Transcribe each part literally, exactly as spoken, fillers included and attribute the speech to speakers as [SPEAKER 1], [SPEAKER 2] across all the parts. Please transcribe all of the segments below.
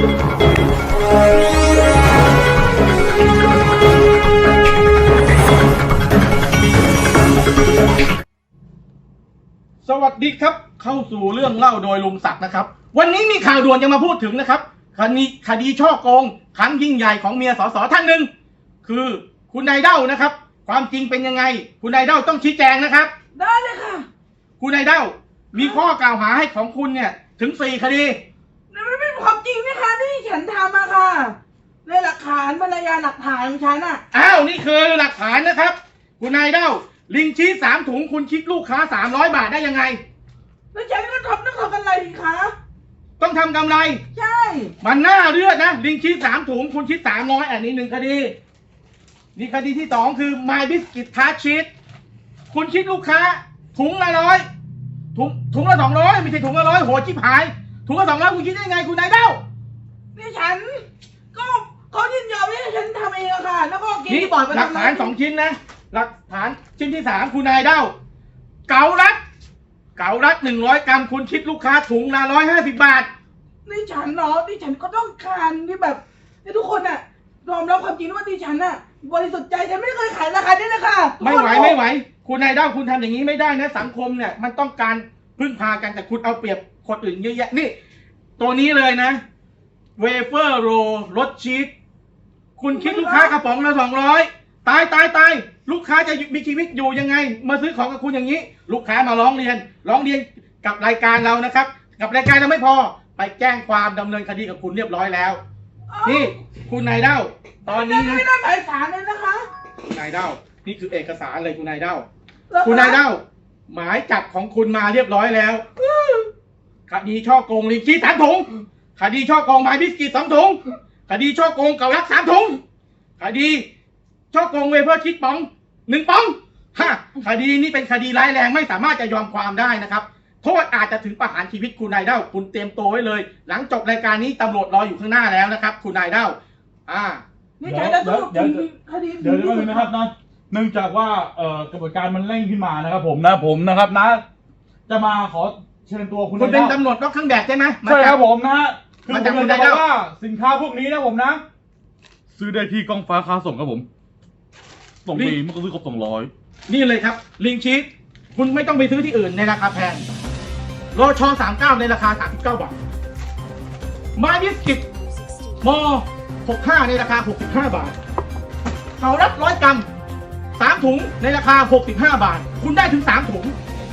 [SPEAKER 1] สวัสดีครับเข้าสู่เรื่องเล่าโดยลุงศักดิ์นะครับวันนี้มีข่าวด่วนจะมาพูดถึงนะครับคดีคดีช่อโกงครั้งยิ่งใหญ่ของเมียสสท่านหนึ่งคือคุณนายเด้านะครับความจริงเป็นยังไงคุณนายเด้าต้องชี้แจงนะครับ
[SPEAKER 2] ได้เลยค่ะ
[SPEAKER 1] คุณนายเด้ามีข้อกล่าวหาให้ของคุณเนี่ยถึงสี่คดี
[SPEAKER 2] นั่นไม่เป็นความจริงนะคะที่ฉันทำอะค่ะในหลักฐานบรรยายหลักฐานของฉันอะ
[SPEAKER 1] อ้าวนี่คือหลักฐานนะครับคุณนายเด้าลิงชีสสามถุงคุณคิดลูกค้าสามร้อยบาทได้ยังไง
[SPEAKER 2] แล้วฉันก็ทำต้องทำกำไรดีคะ
[SPEAKER 1] ต้องทำกำไร
[SPEAKER 2] ใช่
[SPEAKER 1] มันน่าเลือดนะลิงชีสสามถุงคุณคิดสามร้อยอันนี้หนึ่งคดีนี่คดีที่สองคือ My Biscuit Tart Cheese คุณคิดลูกค้าถุงละร้อยถุงถุงละสองร้อยไม่ใช่ถุงละร้อยโหชิบหายถุงละสองร้อยคุณคิดได้ไงคุณนายเด้า
[SPEAKER 2] นี่ฉันก็เขายินยอมให้ฉันทำเองอะค่ะแล้วก็กินที่บอร์ด
[SPEAKER 1] หลักฐานสองชิ้นนะหลักฐานชิ้นที่สามคุณนายเด้าเกาลัดเกาลัดหนึ่งร้อยกรัมคุณคิดลูกค้าถุงละร้อยห้าสิบบาท
[SPEAKER 2] นี่ฉันเนาะนี่ฉันก็ต้องการที่แบบให้ทุกคนอะยอมรับความจริงว่าดิฉันน่ะบริสุทธิ์ใจฉันไม่เคยขายราคานี้เลยค่ะ
[SPEAKER 1] ไม่ไหวไม่ไหวคุณนายเด้าคุณทำอย่างนี้ไม่ได้นะสังคมเนี่ยมันต้องการพึ่งพากันแต่คุณเอาเปรียบคนอื่นเยอะแยะนี่ตัวนี้เลยนะเวเฟอร์โรรสชีสคุณคิดลูกค้ากระป๋องละสองร้อยตายตายตายลูกค้าจะมีชีวิตอยู่ยังไงมาซื้อของกับคุณอย่างนี้ลูกค้ามาร้องเรียนร้องเรียนกับรายการเรานะครับกับรายการเราไม่พอไปแจ้งความดำเนินคดีกับคุณเรียบร้อยแล้วนี่คุณนายเด้าตอนนี้
[SPEAKER 2] ไม่ได้หมายสารเลยนะคะ
[SPEAKER 1] คุณนายเด้านี่คือเอกสารเลยคุณนายเด้าคุณนายเด้าหมายจับของคุณมาเรียบร้อยแล้วคดีช่อโกงลิงชี้สามถุงคดีช่อโกงไม้บิสกิตสองถุงคดีช่อโกงเกาลัดสามถุงคดีช่อโกงเวเฟอร์คิดป๋องหนึ่งป๋องฮะคดีนี้เป็นคดีร้ายแรงไม่สามารถจะยอมความได้นะครับโทษอาจจะถึงประหารชีวิตคุณนายเด้าคุณเตรียมตัวไว้เลยหลังจบรายการนี้ตำรวจรออยู่ข้างหน้าแล้วนะครับคุณนายเด้าอ่า
[SPEAKER 2] นี่ใจแล้วต้องเดี๋ยวคดี
[SPEAKER 3] เดี๋ยวนี้นะครับนะเนื่องจากว่าเอ่อกระบวนการมันเร่งขึ้นมานะครับผมนะผมนะครับนะจะมาขอเชิญตัวคุณ
[SPEAKER 1] คุณเป็นตำรวจนอกเครื่องแบบใช่ไหม
[SPEAKER 3] ใช่ครับผมนะฮะคือผมจะบอกว่าสินค้าพวกนี้นะผมนะซื้อได้ที่กองฟ้าค้าส่งครับผมส่งฟรีเมื่อซื้อครบสองร้อย
[SPEAKER 1] นี่เลยครับลิงชีสคุณไม่ต้องไปซื้อที่อื่นในราคาแพงโรชอสามเก้าในราคาสามสิบเก้าบาทมาบิสกิตมอหกห้าในราคาหกสิบห้าบาทเกาลัดร้อยกรัมสามถุงในราคาหกสิบห้าบาทคุณได้ถึงสามถุง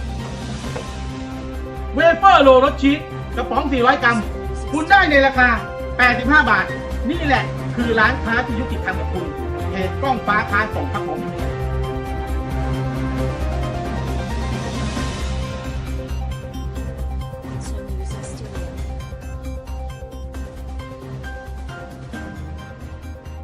[SPEAKER 1] เวเฟอร์โรรสชีสกระป๋องสี่ร้อยกรัมคุณได้ในราคาแปดสิบห้าบาทนี่แหละคือร้านค้าที่ยุติธรรมกับคุณเพจกล้องฟ้าค้าส่งครับ